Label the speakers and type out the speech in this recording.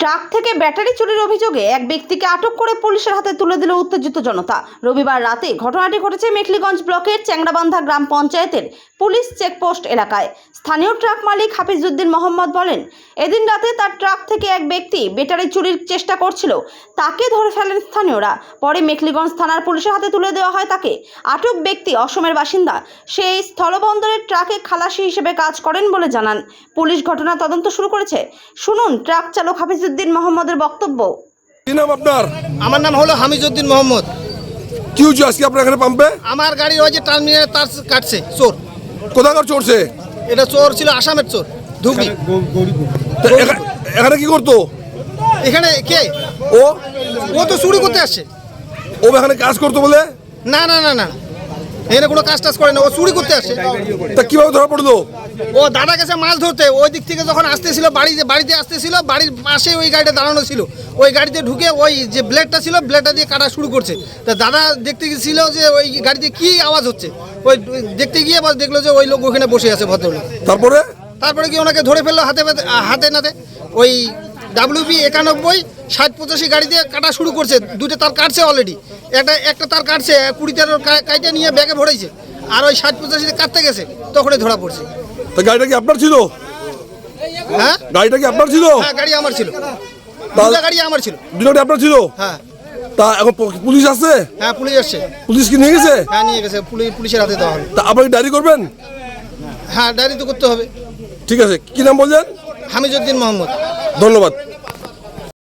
Speaker 1: Truck থেকে battery চুরির অভিযোগে এক ব্যক্তিকে আটক করে পুলিশের হাতে তুলে দিল উত্তেজিত জনতা। রবিবার রাতে ঘটনাটি ঘটেছে মেখলিগঞ্জ ব্লকের চ্যাংড়াবান্ধা গ্রাম পঞ্চায়েতের পুলিশ চেকপোস্ট এলাকায়। স্থানীয় ট্রাক মালিক হাফিজউদ্দিন মোহাম্মদ বলেন, এদিন রাতে তার ট্রাক থেকে এক ব্যক্তি ব্যাটারি চুরির চেষ্টা করছিল, তাকে ধরে ফেলেন স্থানীয়রা। পরে মেখলিগঞ্জ থানার পুলিশের হাতে তুলে দেওয়া হয় তাকে। আটক ব্যক্তি অসমের বাসিন্দা। সেই স্থলবন্দরের ট্রাকে খালাসি হিসেবে কাজ করেন বলে জানান। পুলিশ ঘটনা তদন্ত শুরু করেছে। শুনুন ট্রাক চালক হাফিজউদ্দিন মোহাম্মদের বক্তব্য।
Speaker 2: কি নাম আপনার?
Speaker 3: আমার নাম হলো হামিজউদ্দিন মোহাম্মদ।
Speaker 2: কি হচ্ছে আজকে আপনার এখানে পাম্পে?
Speaker 3: আমার গাড়ি ওই যে টার্মিনালে তার কাটছে চোর।
Speaker 2: কোথাকার চড়ছে?
Speaker 3: এটা চোর ছিল আসামের চোর, ধুবড়ি।
Speaker 2: এখানে কি করতো?
Speaker 3: এখানে কে?
Speaker 2: ও
Speaker 3: ও তো চুরি করতে আসছে।
Speaker 2: ও এখানে কাজ করতো বলে?
Speaker 3: না না না না, এখানে কোনো কাজ টাজ করে না, ও চুরি করতে আসছে।
Speaker 2: তা কিভাবে ধরা পড়লো?
Speaker 3: ও দাদা গেছে মাছ ধরতে, ওই দিক থেকে যখন আসতেছিল বাড়িতে আসতেছিল, বাড়ির পাশে ওই গাড়িটা দাঁড়ানো ছিল, ওই গাড়িতে ঢুকে ওই যে ব্লেডটা ছিল ব্লেডটা দিয়ে কাটা শুরু করছে। তা দাদা দেখতে গেছিল যে ওই গাড়িতে কি আওয়াজ হচ্ছে, ওই দেখতে গিয়ে বস দেখলো যে ওই লোক ওখানে বসে আছে ভদ্রলোক। তারপরে কি ওনাকে ধরে ফেললো হাতে নাতে। ওই WP 91 60-85 গাড়ি দিয়ে কাটা শুরু করছে। দুটো তার কাটছে অলরেডি, একটা তার কাটছে 20 কাইটা নিয়ে ব্যাগে ভরেছে, আর ওই 60-85 কাটতে গেছে, তখনই ধরা পড়ছে।
Speaker 2: তা গাড়িটা কি আপনার ছিল?
Speaker 3: হ্যাঁ,
Speaker 2: গাড়িটা কি আপনার ছিল?
Speaker 3: হ্যাঁ গাড়ি আমার ছিল, দুটো গাড়ি আমার ছিল।
Speaker 2: দুটোটা আপনার ছিল?
Speaker 3: হ্যাঁ।
Speaker 2: তা এখন পুলিশ আসছে?
Speaker 3: হ্যাঁ পুলিশ আসছে।
Speaker 2: পুলিশ কি নিয়ে গেছে?
Speaker 3: হ্যাঁ নিয়ে গেছে, পুলিশের হাতে দেওয়া হবে।
Speaker 2: তা আপনাকে ডায়েরি করবেন?
Speaker 3: হ্যাঁ ডায়েরি তো করতে হবে।
Speaker 2: ঠিক আছে, কি নাম বলছেন?
Speaker 3: হামিজউদ্দিন মোহাম্মদ।
Speaker 2: ধন্যবাদ।